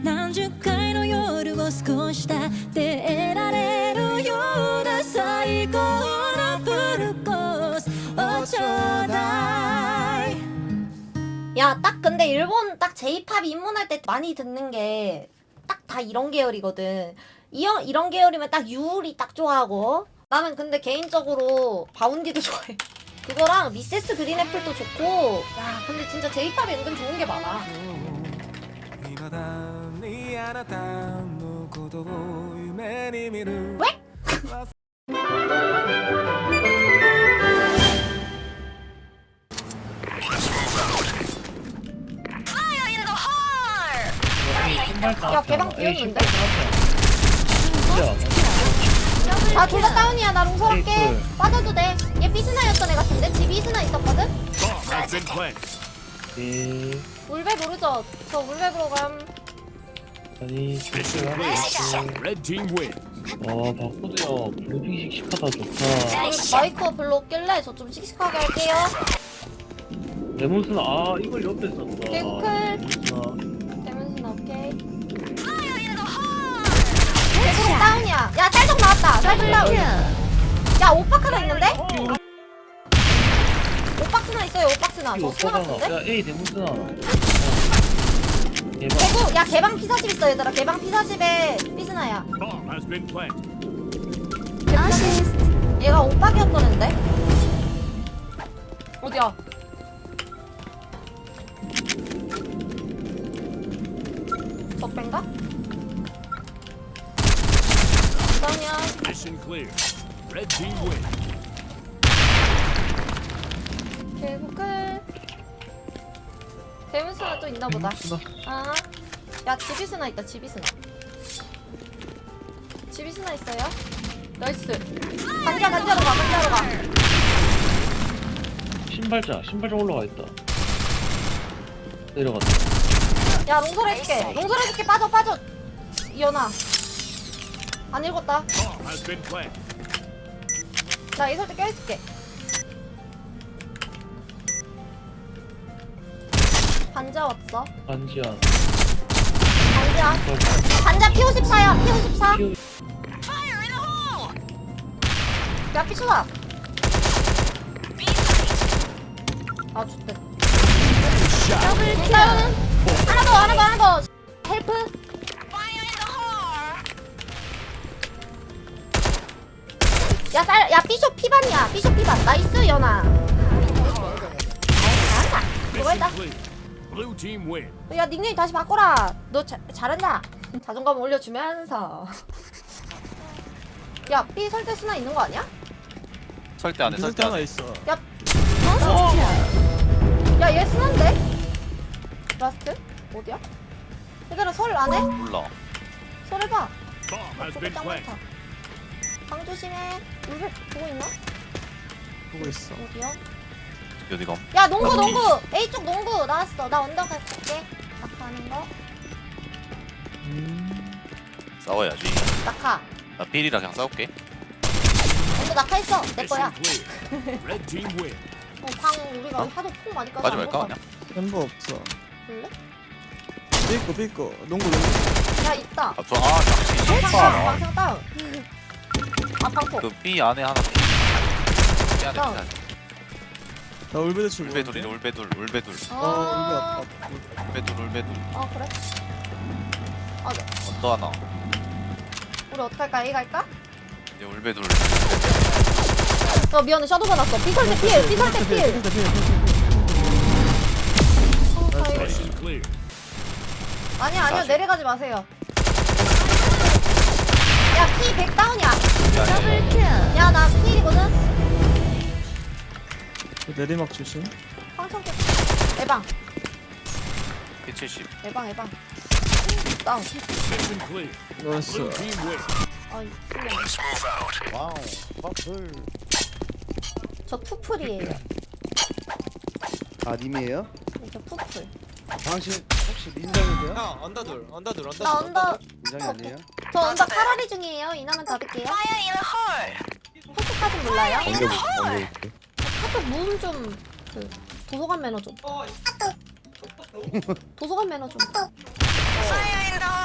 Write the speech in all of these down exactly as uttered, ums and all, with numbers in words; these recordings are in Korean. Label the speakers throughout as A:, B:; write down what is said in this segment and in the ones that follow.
A: 何十回の夜を過ごしたって得られるような最高のフルコースをちょうだい。
B: 야, 딱 근데 일본 딱 J-팝 입문할 때 많이 듣는 게 딱 다 이런 계열이거든. 이런, 이런 계열이면 딱 유울이 딱 좋아하고, 나는 근데 개인적으로 바운디도 좋아해. 그거랑 미세스 그린애플도 좋고. 야, 근데 진짜 J-팝이 은근 좋은 게 많아. 왜? 야, 개방 비었는데? 아, 둘 다 다운이야. 나 롱서 할게. 빠져도 돼. 얘 삐스나였던 애 같은데? 집이 삐스나 있었거든?
C: 네.
B: 울베 모르죠? 저 울베 보러 감.
C: 아니 좋지요. 와 바꾸세요. 블루핑 씩씩하다 좋다.
B: 우리 마이크 별로 없길래 저 좀 씩씩하게 할게요.
C: 레몬스는 아 이걸 옆에 썼다.
B: 개클.
C: 아,
B: 데몬신 오케이. 개구리 다운이야. 야, 쌀적 나왔다. 쌀적 다운. 야, 오박 하나 있는데? 오박스나 있어요, 오박스나. 저 스나 같은데?
C: 야 A 레몬스나. 대박.
B: 개구, 야, 개방 피사십 있어, 얘들아. 개방 피사십에 삐스나야. 얘가 오박이었던 앤데? 어디야? 적배인가? 그러면 개구클 데몬스나 또 있나보다. 아, 야, 지비스나 있다. 지비스나 지비스나 있어요. 나이스. 간자 간자로 가. 간자로 가.
C: 신발자 신발자 올라가 있다. 내려갔다.
B: 야, 롱설 해줄게. 롱설 해줄게. 빠져 빠져. 이연아 안 읽었다. 나 이설 때 껴있을게. 반자 왔어.
C: 반지야.
B: 반자 반자 피 오십사야. 피 오십사. 야, 피수다. 아, 좋대. 일단은 하나 더, 하나 더, 하나 더. 헬프. 야, 쌀, 야, 삐숍 피반이야. 삐숍 피반. 나이스, 연아. 잘한다. 그거 했다. 야, 닉네임 다시 바꿔라. 너 자, 잘한다. 자존감 올려주면서. 야, 삐 설대 쓰나 있는 거 아니야?
D: 설대 안에 설대
E: 하나
D: 안에
E: 있어.
B: 야, 어? 야, 얘 쓰는데? 라스트? 어디야? 얘들아, 설 안 해?
D: 몰라.
B: 설 해봐. 저거 짱 많다. 방 조심해. 물을 보고 있나?
E: 보고 있어.
B: 어디야?
D: 어디가?
B: 야, 농구, 농구! A쪽 농구 나왔어. 나 언더 갈게. 낙하하는 거.
D: 싸워야지.
B: 낙하.
D: 나 필이라 그냥 싸울게.
B: 언더 낙하했어. 내 거야. 어, 방 우리가
D: 어?
B: 하도 폭 많이 까서
D: 가지
B: 안
D: 말까
B: 볼
D: 그냥?
E: 햄버 없어.
B: 볼래?
E: 삐꼬 삐꼬. 농구 농구.
B: 야, 있다.
D: 아, 저, 아, 잠시
B: 방상 다운,
D: 아,
B: 방상 다운. 아, 방폭.
D: 그 B 안에 하나. B 안에
B: 다운.
D: 하나.
E: 나 울베드 출.
D: 울베돌이네 울베돌 울베돌
B: 아,
E: 어 울베.
D: 울베돌 울베돌.
B: 아, 그래? 아, 네.
D: 언더 하나.
B: 우리 어떡할까? A 갈까?
D: 이제 울베돌.
B: 어, 미안해. 샤도 받았어. 피설대 필! 피설대 필! 어, 다행이다. 아니야, 아니야. 내려가지 마세요. 야, 피 백 다운이야. 더블킬. 야, 나 필이거든?
E: 내리막 조심.
B: 황청 깼 에방.
D: P 칠십.
B: 에방, 에방. 다운.
E: 나이스.
B: 아이,
F: 와우, 버플.
B: 저 푸플이에요.
F: 아, 님이에요?
B: 저 푸플.
F: 당신 혹시 민정이세요?
G: 형 언더둘 언더둘 언더둘
B: 나 언더,
F: 민정이 아니에요?
B: 저 언더 카라리 중이에요. 이나면 닫을게요. 포스까진 몰라요? 카톡 무음 좀, 그, 도서관 매너 좀. 도서관 매너 좀.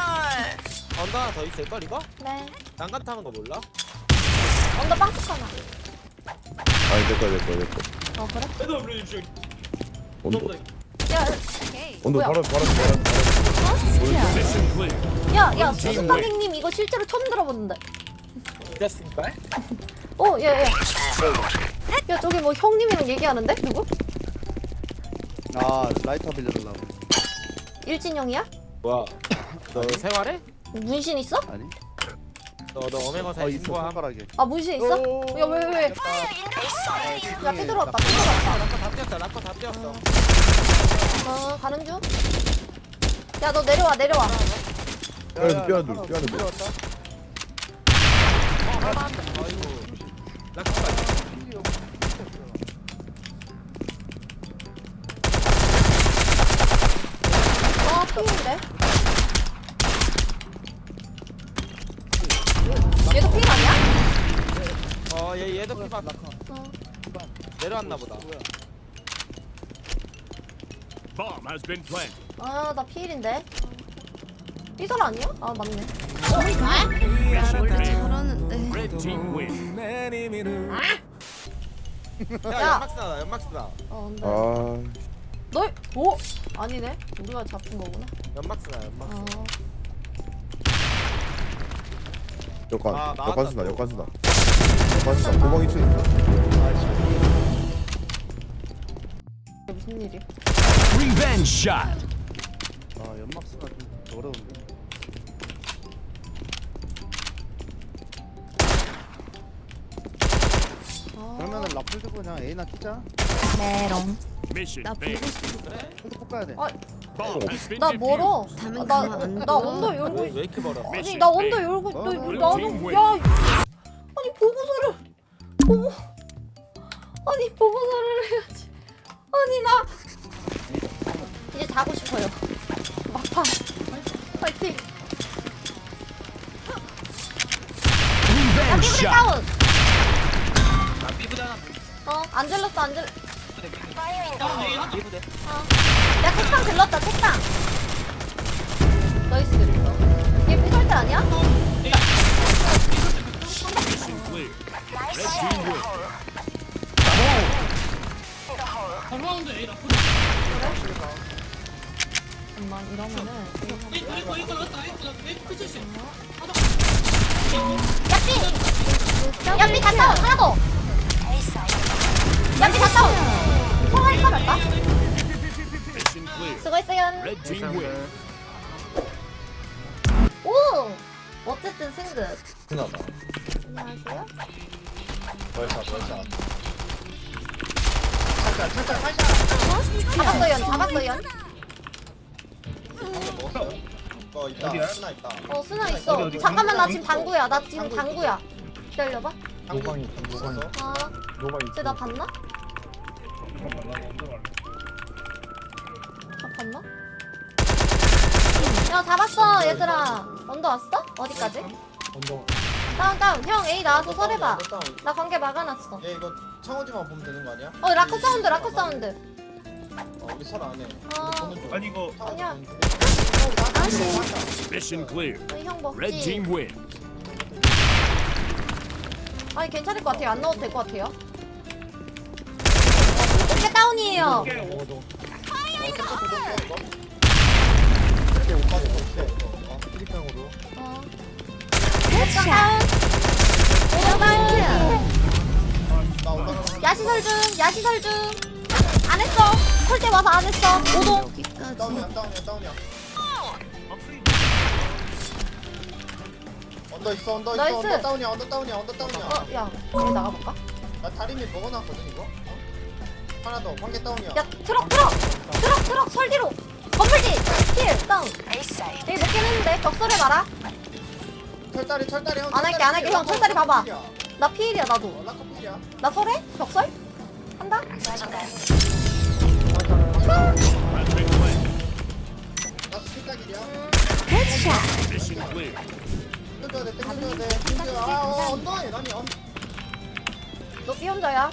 G: 언더 하나 더 있을걸 이거?
B: 네.
G: 난간 타는 거 몰라?
B: 언더 빵집 하나.
H: 아니 내꺼 내꺼 내꺼
B: 어 그래?
H: 온도
B: 야,
H: 온도
B: 뭐야?
H: 바로 바로 바로
E: 미션 클리어.
B: 야, 야, 수수방객님 이거 실제로 처음 들어보는데.
G: 됐을걸?
B: 어, 야, 야. 야, 저기 뭐 형님이랑 얘기하는데? 누구?
F: 아 라이터 빌려달라고.
B: 일진형이야?
G: 뭐야 너 생활해?
B: 문신 있어?
F: 아니?
G: 너 너 어메거사
F: 어 있어
G: 신고함
F: 손가락에.
B: 아, 문신 있어? 야, 왜, 왜, 왜? 야, 삐들어왔다, 삐들어왔다.
G: 나꺼 다 뛰었다 나꺼 다 뛰었어
B: 어, 가는 중. 야, 너 내려와, 내려와.
H: 뼈 뼈둘 뼈둘
F: 들어왔다.
G: 아이고 나꺼까지
B: 아, 피인데? 얘도 피 아니야?
G: 어얘 얘도 피박
B: 어.
G: 내려왔나 보다
E: Bomb has been planted.
B: 아, 나 피일인데. 삐설 아니야? 아, 맞네.
E: Mission failed.
A: 잘하는데.
E: Red team win.
G: 야
B: 야.
G: 연막 쓰나 연막 쓰나
B: 어, 근데.
H: 아
B: 널? 오! 아니네. 우리가 잡힌 거구나.
G: 연막 쓰나 연막 쓰나
B: 어.
H: 역관
G: 아, 나왔다,
H: 역관 쓰나
G: 또.
H: 역관 쓰나 역관 쓰나 도망 이층 있어
B: 무슨 일이야?
E: Revenge shot.
F: 아 연막 쓰나 좀 어려운데.
B: 아.
F: 그러면은 라플 들고 그냥 A나 키자.
A: 메롱.
E: Mission
A: 나 보고
E: failed.
A: 싶어.
G: 그래?
F: 이거 꼭 가야 돼.
B: 아,
E: Bomb has been
B: 나
E: defused.
B: 멀어.
A: 다음엔
B: 아, 나,
A: 가면 안
B: 나
A: 돼.
B: 언더 열고
G: 왜,
B: 있...
G: 왜 이렇게 멀어
B: 아니, 나 언더 열고 있...
F: 어?
B: 너,
E: Blue
B: 나는...
E: team win.
B: 야! 아니, 보고서를... 보고... 아니, 보고서를 해야지. 아니, 나... 이제 자고 싶어요. 막판. 파이팅. 야,
E: Revenge
B: 피부대
E: shot.
B: 다운!
D: 나 삐부대 하나
B: 어, 안 질렀어, 안 질렀...
D: 삐부대
B: 어. 야, 책상 질렀다, 책상! 너이스 그랬어. 얘 피설대 아니야?
E: Mission clear. Red team win.
B: 잠깐만, 이러면은... 야삐! 야삐 다 다운! 하나 더! 야삐 다 다운! 통화할까 말까?
E: Mission clear.
B: 수고했어요.
E: Red team win.
B: 오! 어쨌든 승급. 안녕하세요. 잡았어요, 잡았어요.
G: 어 있다 쓰나 있다
B: 어, 스나 있어. 잠깐만, 나 지금 당구야. 나 지금 당구야. 기다려봐.
G: 노방이 노방이
B: 아, 쟤나 봤나? 잡았나? 야, 잡았어, 얘들아. 언더 왔어? 어디까지? 다운, 다운. 형, A 나와서 설해봐. 나 관계 막아놨어.
G: 얘 이거 창호지만 보면 되는 거 아니야?
B: 어, 라커 사운드, 라커 사운드.
G: 어 우리 설 안해
B: 어,
C: 아니 이거
B: 아니야.
E: Mission clear.
B: 저희 형
E: Red
B: 먹지.
E: team win.
B: 아니, 괜찮을 것 같아요. 안 넣어도 될 것 같아요. 어깨 다운이에요. 어. 오장 다운. 오장 다운. 야시설 중, 야시설 중. 안 했어. 콜대 와서 안 했어. 오동.
A: 여기까지.
G: 다운이야 다운이야 다운이야 언더 있어 언더 있어
B: 나이스.
G: 언더 다운이야 언더 다운이야 언더 다운이야
B: 어, 야, 얘 나가볼까?
G: 나 다리미 먹어놨거든 이거 어? 하나 더 관계 다운이야
B: 야, 트럭, 트럭, 트럭, 트럭, 설 뒤로. 건물지, 킬, 다운. 여기 먹긴 했는데 격설해 봐라.
G: 철다리 철다리 형
B: 안 할게, 안 할게. 형, 철다리 봐봐. 나 피일이야, 나도.
G: 락커필이야
B: 나 설해? 격설? 한다?
E: Has been planted.
G: 나 스피딱이야
E: Mission clear.
G: 땡겨야 돼 땡겨야 돼 땡겨 아어 언더해 아니 언
B: 너 삐 혼자야.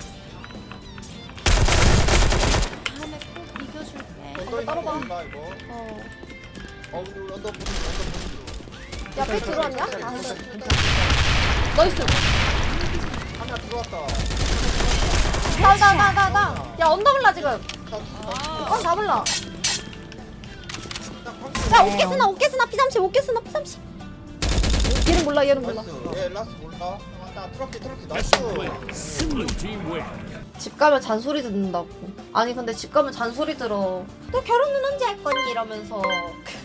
A: 다음에 꼭 이겨줄게.
G: 언더
B: 따로 봐.
G: 있는 거 이거
B: 어.
G: 어 우리 언더 보는 중 언더 보는 중
B: 야, 삐 들어왔냐? 아, 나이스.
G: 하나 들어왔다.
B: 나, 나, 나, 나, 나. 야, 언더블라 지금. 어, 잡을라. 야, 오케스나, 오케스나, 피삼십, 오케스나, 피삼십. 얘는 몰라, 얘는 몰라.
G: 나이스. 얘 라스 몰라. 맞다. 트럭키 트럭키
E: Mission
G: 나이스.
E: win. Blue team win.
B: 집 가면 잔소리 듣는다고. 아니, 근데 집 가면 잔소리 들어. 너 결혼은 언제 할 거니? 이러면서.